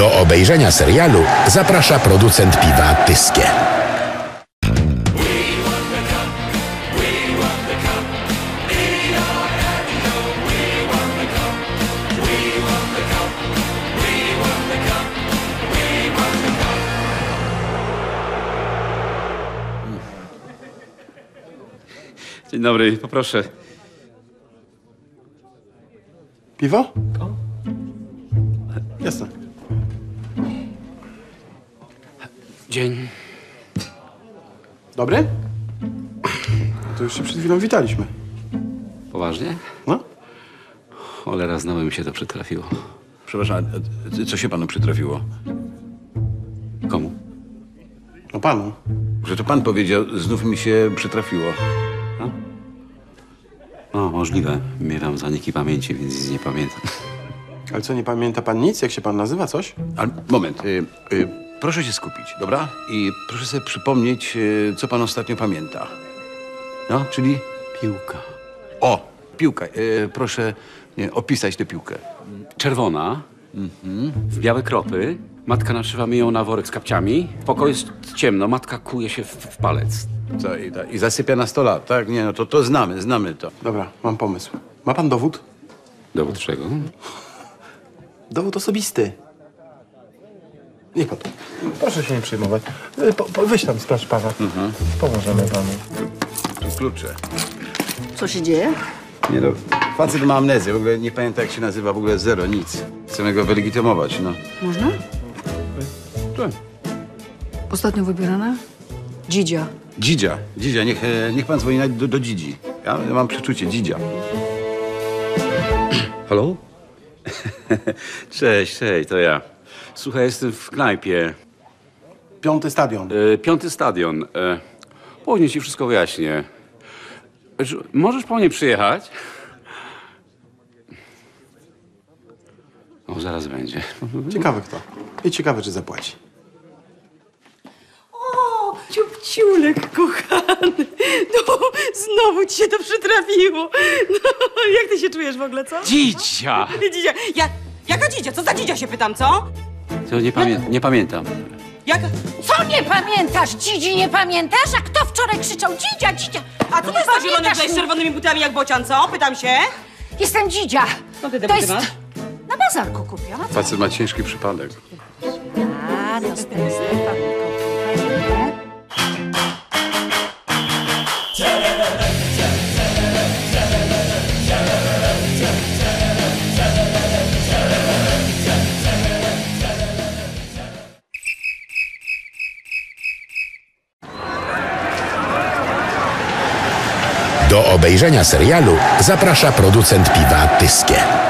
Do obejrzenia serialu zaprasza producent piwa Tyskie. Dzień dobry, poproszę. Piwo? Jasne. Dzień. Dobry? To już się przed chwilą witaliśmy. Poważnie? No? Cholera, znowu mi się to przytrafiło. Przepraszam, a co się panu przytrafiło? Komu? No panu. Że to pan powiedział, znów mi się przytrafiło. O, możliwe. Miewam zaniki pamięci, więc nic nie pamiętam. Ale co, nie pamięta pan nic? Jak się pan nazywa, coś? Ale moment, proszę się skupić, dobra? I proszę sobie przypomnieć, co pan ostatnio pamięta. No, czyli? Piłka. O, piłka. Proszę opisać tę piłkę. Czerwona, w białe kropy. Matka naszywa mi ją na worek z kapciami. W pokoju jest ciemno, matka kuje się w palec. Co, i zasypia na 100 lat, tak? Nie, no to znamy to. Dobra, mam pomysł. Ma pan dowód? Dowód czego? Dowód osobisty. Niech pan. Proszę się nie przejmować. Weź tam, sprawdź pana. Pomożemy panu. Tu klucze. Co się dzieje? Nie no, facet ma amnezję, w ogóle nie pamięta jak się nazywa, w ogóle zero, nic. Chcemy go wylegitymować, no. Można? Tak. Ostatnio wybierana? Dzidzia. Dzidzia, niech pan dzwoni do Dzidzi. Ja mam przeczucie, Dzidzia. Halo? Cześć, to ja. Słuchaj, jestem w knajpie. 5. stadion. 5. stadion. Później ci wszystko wyjaśnię. Możesz po mnie przyjechać? O, zaraz będzie. Ciekawy kto. I ciekawe, czy zapłaci. O, ciupciulek kochany. No, znowu ci się to przytrafiło. No, jak ty się czujesz w ogóle, co? Dzidzia! Dzidzia. Jaka dzidzia? Co za dzidzia się pytam, co? To nie pamiętam. Jaka? Co nie pamiętasz? Dzidzi nie pamiętasz? A kto wczoraj krzyczał Dzidzia, Dzidzia? A co to jest za zielony Pamiętasz tutaj z mnie? czerwonymi butami jak bocian, co? Pytam się. Jestem Dzidzia. No ty te To buty jest... masz? Na bazarku kupiona. Facet ma ciężki przypadek. A, to z tym Do obejrzenia serialu zaprasza producent piwa Tyskie.